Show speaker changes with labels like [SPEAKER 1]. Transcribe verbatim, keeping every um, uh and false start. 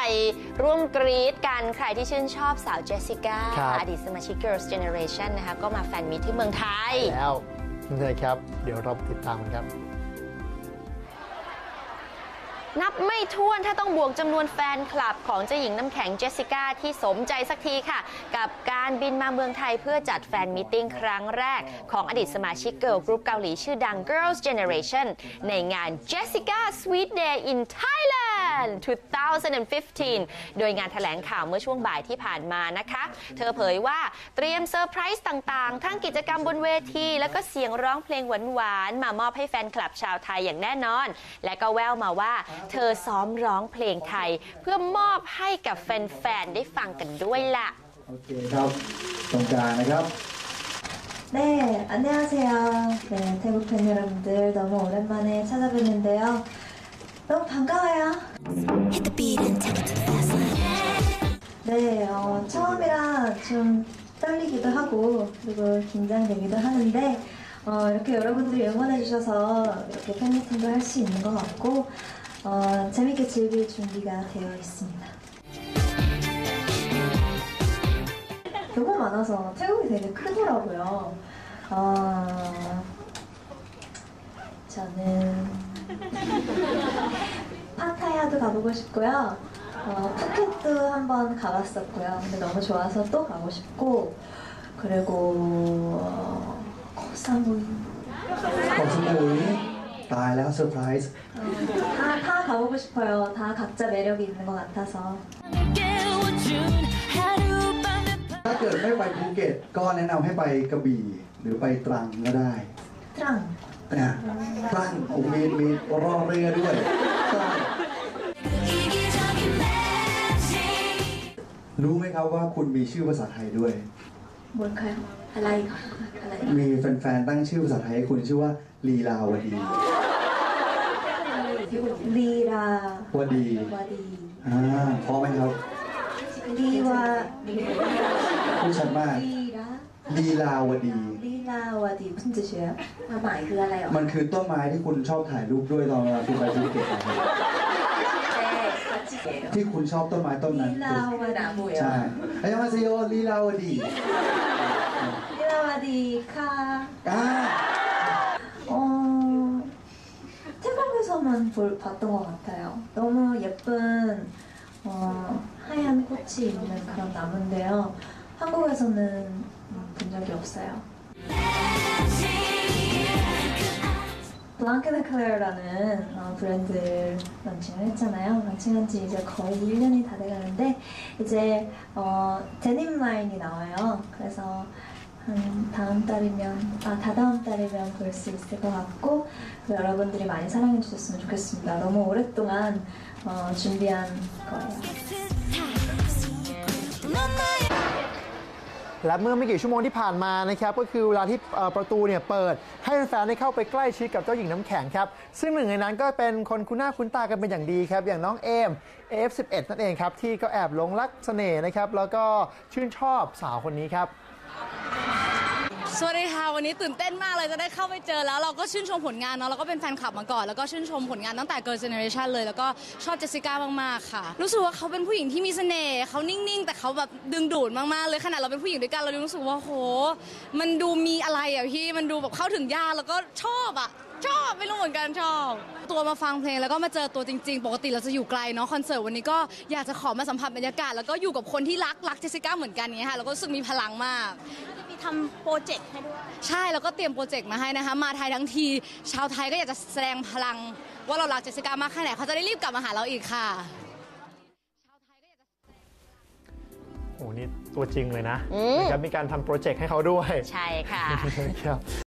[SPEAKER 1] ร่วมกรี๊ดกันใครที่ชื่นชอบสาวเจสสิก้าอดีตสมาชิก Girls' Generation นะคะก็มาแฟนมิตที่เมืองไทย
[SPEAKER 2] แล้วนี่ครับเดี๋ยวเราติดตามกันครับ
[SPEAKER 1] นับไม่ถ้วนถ้าต้องบวกจำนวนแฟนคลับของเจ้าหญิงน้ำแข็งเจสสิก้าที่สมใจสักทีค่ะกับการบินมาเมืองไทยเพื่อจัดแฟนมิทติ้งครั้งแรกของอดีตสมาชิกเกิร์ลกรุ๊ปเกาหลีชื่อดัง Girls' Generation ในงาน Jessica Sweet Day in Thailand สองพันสิบห้า โดยงานแถลงข่าวเมื่อช่วงบ่ายที่ผ่านมานะคะเธอเผยว่าเตรียมเซอร์ไพรส์ต่างๆทั้งกิจกรรมบนเวทีแล้วก็เสียงร้องเพลงหวานๆมามอบให้แฟนคลับชาวไทยอย่างแน่นอนและก็แววมาว่าเธอซ้อมร้องเพลงไทยเพื่อมอบให้กับแฟนๆได้ฟังกันด้วยล่ะ
[SPEAKER 3] โอเคครับตรงกลางนะครับ
[SPEAKER 4] 네 안녕하세요 네 태국 팬 여러분들 너무 오랜만에 찾아뵙는데요 너무 반가워요 네 어, 처음이라 좀 떨리기도 하고 그리고 긴장되기도 하는데 어, 이렇게 여러분들이 응원해주셔서 이렇게 팬미팅도 할 수 있는 것 같고 어, 재밌게 즐길 준비가 되어 있습니다. 너무 많아서 태국이 되게 크더라고요. 어, 저는 파타야도 가보고 싶고요. 어, 푸켓도 한번 가봤었고요. 근데 너무 좋아서 또 가고 싶고 그리고 어, 코사무이.
[SPEAKER 3] 코사무이. ตายแล้วเซอร์ไพรส์
[SPEAKER 4] 다, 다 가보고 싶어요. 다 각자 매력이 있는 것 같아서.
[SPEAKER 3] ถ้าเกิดไม่ไปภูเก็ตก็แนะนำให้ไปกระบี่หรือไปตรังก็ได้
[SPEAKER 4] ตรัง
[SPEAKER 3] นะตรังมีมีรอเรือด้วยรู้ไหมครับว่าคุณมีชื่อภาษาไทยด้วย
[SPEAKER 4] บนใครอะไรอะไร
[SPEAKER 3] มีแฟนๆตั้งชื่อภาษาไทยให้คุณชื่อว่าลีลาวดี
[SPEAKER 4] ลีลาว
[SPEAKER 3] ดี
[SPEAKER 4] วดี
[SPEAKER 3] อ่าพอไหมครับ
[SPEAKER 4] ลีวา
[SPEAKER 3] พูดชัดมากลีลาวดี
[SPEAKER 4] ลีลาวดี무슨뜻이에요ความหมายคืออะไรอ่ะ
[SPEAKER 3] มันคือต้นไม้ที่คุณชอบถ่ายรูปด้วยตอนเวลาคุณไปภูเก็ตที่คุณชอบต้นไม้ต้นนั้น
[SPEAKER 4] ลีลาวดี
[SPEAKER 3] ใช่ไอ้ยังมาซิโยลีลาวดี
[SPEAKER 4] ลีลาวดีค่ะ
[SPEAKER 3] อ่า
[SPEAKER 4] 어, 태국에서만 볼, 봤던 것 같아요. 너무 예쁜 어, 하얀 꽃이 있는 그런 나무인데요. 한국에서는 본 적이 없어요. 블랑크네클레어라는 어, 브랜드를 런칭을 했잖아요. 런칭한 지 이제 거의 일 년이 다 돼가는데 이제 어, 데님 라인이 나와요. 그래서 한 다음 달이면 아 다다음 달이면 볼 수 있을 것 같고 여러분들이 많이 사랑해 주셨으면 좋겠습니다. 너무 오랫동안 어, 준비한 거예요.
[SPEAKER 2] และเมื่อไม่กี่ชั่วโมงที่ผ่านมานะครับก็คือเวลาที่ประตูเนี่ยเปิดให้แฟนๆได้เข้าไปใกล้ชิดกับเจ้าหญิงน้ำแข็งครับซึ่งหนึ่งในนั้นก็เป็นคนคุ้นหน้าคุ้นตากันเป็นอย่างดีครับอย่างน้องเอม เอ เอฟ สิบเอ็ด นั่นเองครับที่ก็แอบหลงรักเสน่ห์นะครับแล้วก็ชื่นชอบสาวคนนี้ครับ
[SPEAKER 5] สวัสดีค่ะวันนี้ตื่นเต้นมากเลยจะได้เข้าไปเจอแล้วเราก็ชื่นชมผลงานเนาะเราก็เป็นแฟนคลับมาก่อนแล้วก็ชื่นชมผลงานตั้งแต่ Girls' Generation เลยแล้วก็ชอบเจสสิก้ามากๆค่ะรู้สึกว่าเขาเป็นผู้หญิงที่มีเสน่ห์เขานิ่งๆแต่เขาแบบดึงดูดมากๆเลยขนาดเราเป็นผู้หญิงด้วยกันเรารู้สึกว่าโหมันดูมีอะไรอ่ะพี่มันดูแบบเข้าถึงยากแล้วก็ชอบอ่ะชอบไม่รู้เหมือนกันชอบตัวมาฟังเพลงแล้วก็มาเจอตัวจริงๆปกติเราจะอยู่ไกลเนาะคอนเสิร์ตวันนี้ก็อยากจะขอมาสัมผัสบรรยากาศแล้วก็อยู่กับคนที่รักรักเจสสิก้าเหมือนกันเนี้ยค่ะแล้วก็รู้สึกมีพลังมาก
[SPEAKER 6] ทำโปรเจกต์ให้ด้วย
[SPEAKER 5] ใช่แล้วก็เตรียมโปรเจกต์มาให้นะคะมาไทยทั้งทีชาวไทยก็อยากจะแสดงพลังว่าเรารักเจสสิก้ามากแค่ไหนเขาจะได้รีบกลับมาหาเราอีกค่ะ
[SPEAKER 2] โอ้นี่ตัวจริงเลยนะนะครับมีการทำโปรเจกต์ให้เขาด้วย
[SPEAKER 1] ใช่ค่ะ